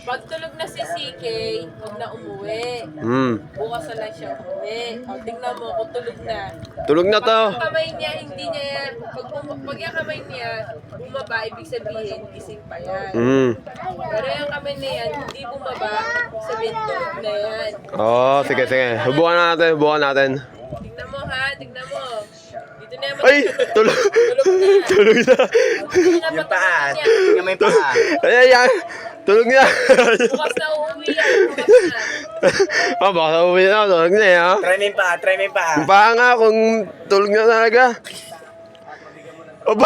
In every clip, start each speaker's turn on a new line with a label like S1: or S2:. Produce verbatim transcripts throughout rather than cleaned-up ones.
S1: Pag tulog na si C K, huwag na umuwi.
S2: Hmm.
S1: Bukas na lang siya umuwi. O, tingnan mo kung tulog na.
S2: Tulog na to.
S1: Pag yung kamay niya, hindi niya, pag, bum- pag yung kamay niya bumaba, ibig sabihin, gising pa yan.
S2: Hmm.
S1: Pero yung kamay na yan, hindi bumaba, ibig sabihin, tulog na yan.
S2: Oh, sige, sige. Hubukan na natin, hubukan natin.
S1: Tingnan mo ha, tingnan mo. Dito na yung
S2: Ay, tulog.
S1: Tulog na.
S2: Tulog na.
S3: Yung paa. Tingnan mo yung paa.
S2: Ay, ay, ay. Tulog na.
S1: Bukas na uuwi yan, bukas na.
S2: Oh, baka uwi na. Tulog na eh, ha?
S3: Try mo yung paa, try mo yung paa.
S2: Yung paa nga kung tulog na talaga. Oba.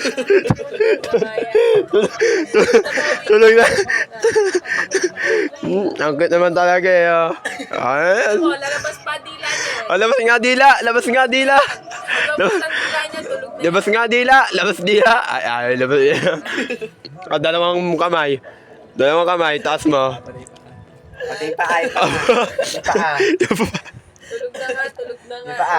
S2: Tulog na. Hmm, ang cute naman talaga eh. Oh. Ayan.
S1: O, lalabas pa dila niya.
S2: Oh, labas nga dila. Labas nga dila.
S1: Labas ang dila niya, tulog na.
S2: Labas nga dila. Labas dila. Ay, ay, labas dila. Oh, dalawang kamay. Dalawang kamay. Taas mo.
S3: Pati yung paa, yung paa. Yung paa.
S2: Yung pa-
S1: Tulog na nga, tulog na nga.
S3: Yung paa.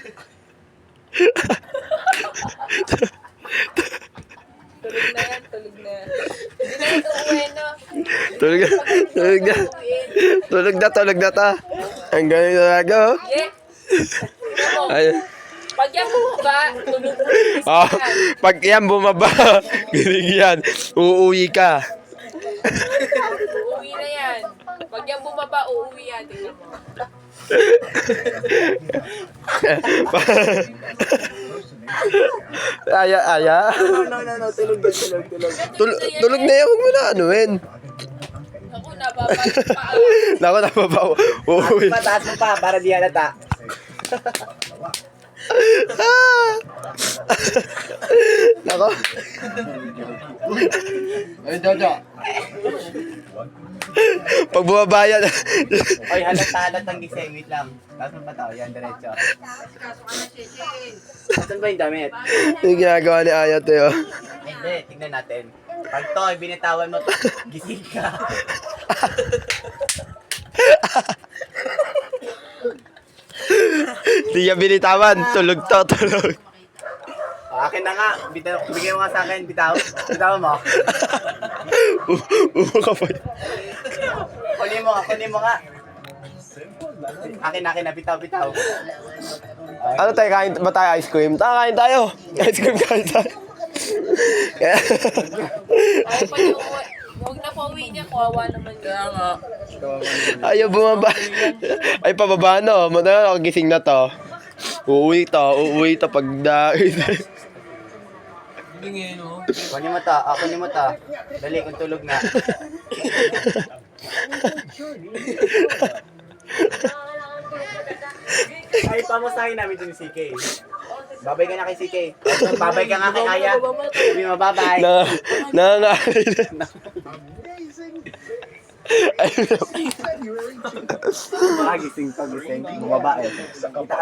S1: Tulog na yan, tulog na. Hindi na ito uwi, no?
S2: Tulog na. Tulog na. Tulog na. Tulog na ta. Ang galing talaga. Oh.
S1: Yeah. Tingnan mo,
S2: Ay.
S1: pag yan bumaba, tulog na.
S2: Oh, pag yan bumaba, giling yan, uuwi ka.
S1: Uuwi na yan. Pag yan bumaba, uuwi yan. Tingnan mo.
S2: Aya, aya.
S3: No, no, no, no. Tulog na, tulog, tulog.
S2: Tulog, tulog na yan, huwag mo na anuin.
S1: Ako, nababalik pa.
S2: Naku, napabaw. Uuwi.
S3: Pataas mo pa para di halata.
S2: Ah! Nako.
S3: Ay, Jojo.
S2: Pag bumaba yan.
S3: Oy, halata, halatang gising. Wait lang. Tapos mo pa tao. Yan, diretso. Saan ba yung damit?
S2: Yung ginagawa ni Ayat eh. Oh.
S3: Hindi, tignan natin. Pag to, binitawan mo, gising ka.
S2: Hindi niya binitawan. Tulog to, tulog.
S3: O, akin na nga. Bitaw, bigyan mo nga sa akin. Bitaw. Bitaw mo.
S2: Umo ka pa.
S3: Kunin mo nga, kunin mo nga. Akin, akin na. Bitaw, bitaw.
S2: Ano tayo, kain ba tayo ice cream? Tara, kain tayo. Ice cream kain tayo.
S1: Ay, pag yung uwi, huwag na pauwi niya, kawawa naman. Kaya nga.
S2: Ayaw bumaba. Ay, pababa no. Madalang ako gising na to. Uuwi to, uuwi to pag dahil.
S3: Kunin mo to. Ah, kunin mo to. Dali, kung tulog na. Ay, pamusahin namin din si C K. Babay ka na kay C K. Babay ka nga kay Aya. Sabi mo, babay.
S2: Na, nangangain. Ay,
S3: Pagising, pagising. Babae. Kita